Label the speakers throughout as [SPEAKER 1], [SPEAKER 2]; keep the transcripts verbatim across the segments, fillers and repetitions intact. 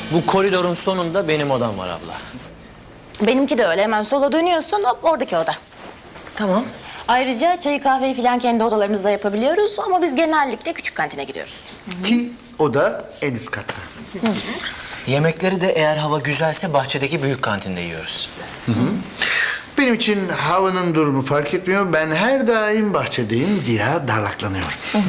[SPEAKER 1] Bu koridorun sonunda benim odam var abla.
[SPEAKER 2] Benimki de öyle. Hemen sola dönüyorsun, hop oradaki oda.
[SPEAKER 3] Tamam.
[SPEAKER 2] Ayrıca çayı kahveyi falan kendi odalarımızda yapabiliyoruz ama biz genellikle küçük kantine gidiyoruz.
[SPEAKER 4] Ki o da en üst katta.
[SPEAKER 1] Yemekleri de eğer hava güzelse bahçedeki büyük kantinde yiyoruz.
[SPEAKER 4] Benim için havanın durumu fark etmiyor. Ben her daim bahçedeyim zira darlaklanıyorum.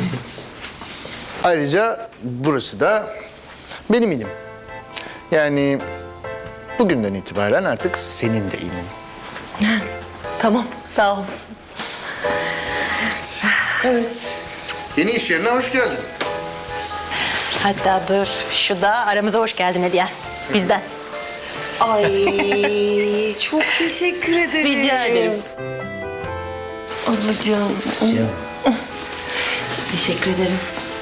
[SPEAKER 4] Ayrıca burası da benim ilim. Yani bugünden itibaren artık senin de ilin.
[SPEAKER 3] Tamam, sağ ol. Evet.
[SPEAKER 4] Yeni iş yerine hoş geldin.
[SPEAKER 2] Hatta dur, şu da aramıza hoş geldin hediyen. Bizden.
[SPEAKER 3] Ay, çok teşekkür ederim.
[SPEAKER 2] Rica ederim.
[SPEAKER 3] Ablacığım. Teşekkür ederim.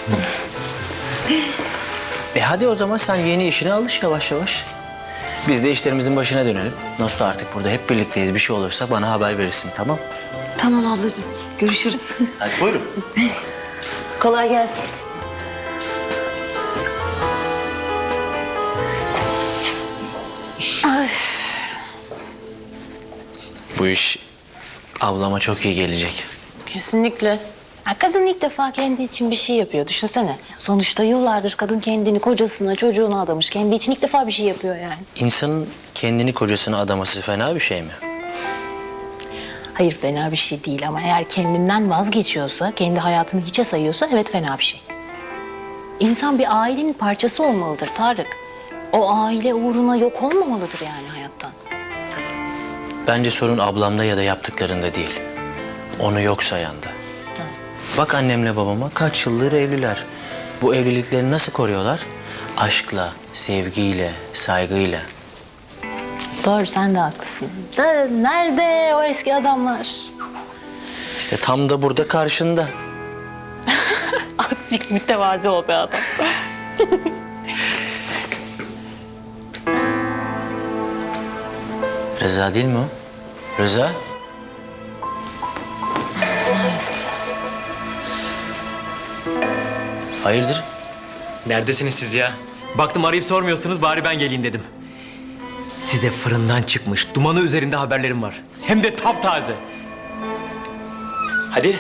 [SPEAKER 1] E hadi o zaman sen yeni işine alış yavaş yavaş. Biz de işlerimizin başına dönelim. Nasıl artık burada hep birlikteyiz. Bir şey olursa bana haber verirsin, tamam?
[SPEAKER 3] Tamam ablacığım, görüşürüz.
[SPEAKER 1] Hadi.
[SPEAKER 4] Buyurun.
[SPEAKER 3] Kolay gelsin.
[SPEAKER 1] Bu iş ablama çok iyi gelecek.
[SPEAKER 2] Kesinlikle. Ya kadın ilk defa kendi için bir şey yapıyor. Düşünsene. Sonuçta yıllardır kadın kendini kocasına, çocuğuna adamış. Kendi için ilk defa bir şey yapıyor yani.
[SPEAKER 1] İnsanın kendini kocasına adaması fena bir şey mi?
[SPEAKER 2] Hayır, fena bir şey değil ama eğer kendinden vazgeçiyorsa, kendi hayatını hiçe sayıyorsa evet fena bir şey. İnsan bir ailenin parçası olmalıdır Tarık. O aile uğruna yok olmamalıdır yani hayattan.
[SPEAKER 1] Bence sorun ablamda ya da yaptıklarında değil. Onu yok sayanda. Bak annemle babama kaç yıldır evliler. Bu evlilikleri nasıl koruyorlar? Aşkla, sevgiyle, saygıyla.
[SPEAKER 2] Doğru, sen de haklısın. Da nerede o eski adamlar?
[SPEAKER 1] İşte tam da burada karşında.
[SPEAKER 2] Azıcık mütevazi ol be adam.
[SPEAKER 1] Rıza değil mi o? Rıza? Hayırdır?
[SPEAKER 5] Neredesiniz siz ya? Baktım arayıp sormuyorsunuz, bari ben geleyim dedim. Size fırından çıkmış, dumanı üzerinde haberlerim var. Hem de taptaze. Hadi.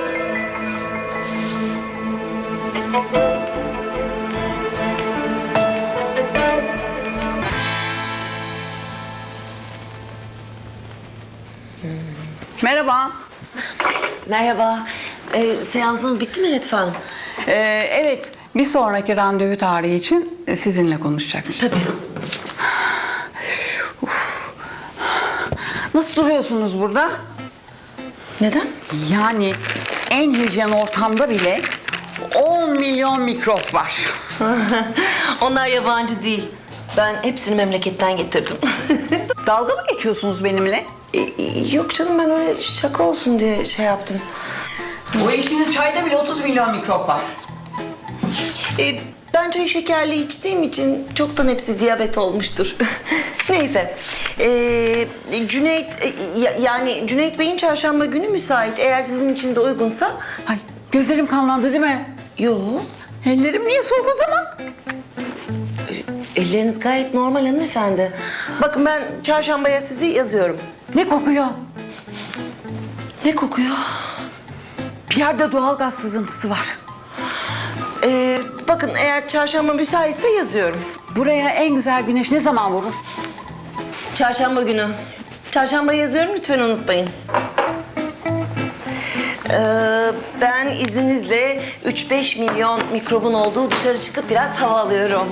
[SPEAKER 6] Merhaba.
[SPEAKER 3] Merhaba. Ee, seansınız bitti mi Lütfü Hanım?
[SPEAKER 6] Ee, evet, bir sonraki randevu tarihi için sizinle konuşacakmış.
[SPEAKER 3] Tabii.
[SPEAKER 6] Uf. Nasıl duruyorsunuz burada?
[SPEAKER 3] Neden?
[SPEAKER 6] Yani en hijyen ortamda bile on milyon mikrop var.
[SPEAKER 3] Onlar yabancı değil. Ben hepsini memleketten getirdim.
[SPEAKER 6] Dalga mı geçiyorsunuz benimle?
[SPEAKER 3] E, yok canım, ben öyle şaka olsun diye şey yaptım.
[SPEAKER 6] Bu içtiğiniz çayda bile otuz milyon mikrop var.
[SPEAKER 3] E, ben çayı şekerli içtiğim için çoktan hepsi diyabet olmuştur. Neyse. E, Cüneyt, e, ya- yani Cüneyt Bey'in çarşamba günü müsait. Eğer sizin için de uygunsa.
[SPEAKER 6] Ay, gözlerim kanlandı değil mi?
[SPEAKER 3] Yo.
[SPEAKER 6] Ellerim niye soğuk o zaman?
[SPEAKER 3] Elleriniz gayet normal hanımefendi. Bakın ben çarşambaya sizi yazıyorum.
[SPEAKER 6] Ne kokuyor?
[SPEAKER 3] Ne kokuyor?
[SPEAKER 6] Bir yerde doğal gaz sızıntısı var.
[SPEAKER 3] Ee, bakın eğer çarşamba müsaitse yazıyorum.
[SPEAKER 6] Buraya en güzel güneş ne zaman vurur?
[SPEAKER 3] Çarşamba günü. Çarşamba yazıyorum, lütfen unutmayın. Ee, ben izninizle üç beş milyon mikrobun olduğu dışarı çıkıp biraz hava alıyorum.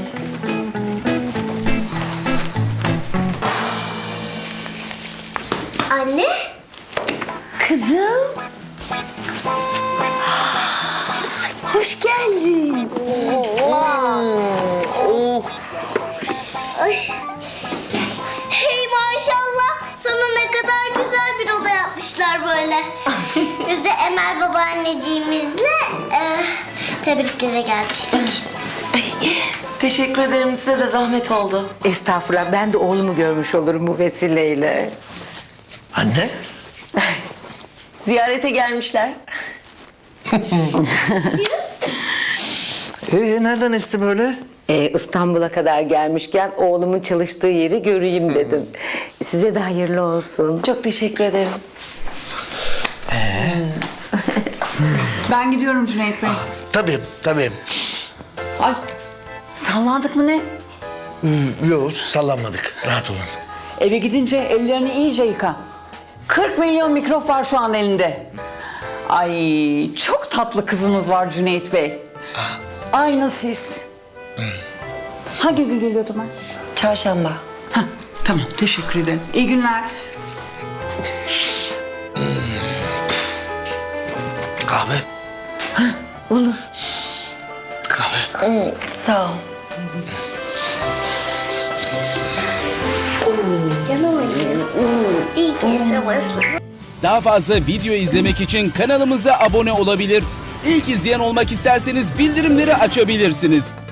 [SPEAKER 7] Anne?
[SPEAKER 3] Kızım. Hoş geldin. Oh.
[SPEAKER 7] Ay. Hey maşallah. Sana ne kadar güzel bir oda yapmışlar böyle. Biz de Emel babaanneciğimizle e, tebriklere gelmiştik.
[SPEAKER 3] Teşekkür ederim, size de zahmet oldu.
[SPEAKER 8] Estağfurullah, ben de oğlumu görmüş olurum bu vesileyle.
[SPEAKER 1] Anne?
[SPEAKER 3] Ziyarete gelmişler.
[SPEAKER 4] Ee, nereden esti böyle?
[SPEAKER 8] Ee, İstanbul'a kadar gelmişken oğlumun çalıştığı yeri göreyim dedim. Size de hayırlı olsun.
[SPEAKER 3] Çok teşekkür ederim.
[SPEAKER 6] Ben gidiyorum Cüneyt Bey.
[SPEAKER 4] Tabii, tabii.
[SPEAKER 6] Ay sallandık mı ne?
[SPEAKER 4] Hmm, yok, sallanmadık. Rahat olun.
[SPEAKER 6] Eve gidince ellerini iyice yıka. kırk milyon mikrop var şu an elinde. Ay çok tatlı kızınız var Cüneyt Bey. Aynı siz. Hangi gün geliyordum ben?
[SPEAKER 3] Çarşamba.
[SPEAKER 6] Heh, tamam teşekkür ederim. İyi günler.
[SPEAKER 4] Kahve.
[SPEAKER 6] Olur.
[SPEAKER 4] Kahve.
[SPEAKER 3] Hmm, sağ ol.
[SPEAKER 7] Canım benim. İyi ki savaşlı.
[SPEAKER 9] Daha fazla video izlemek için kanalımıza abone olabilir. İlk izleyen olmak isterseniz bildirimleri açabilirsiniz.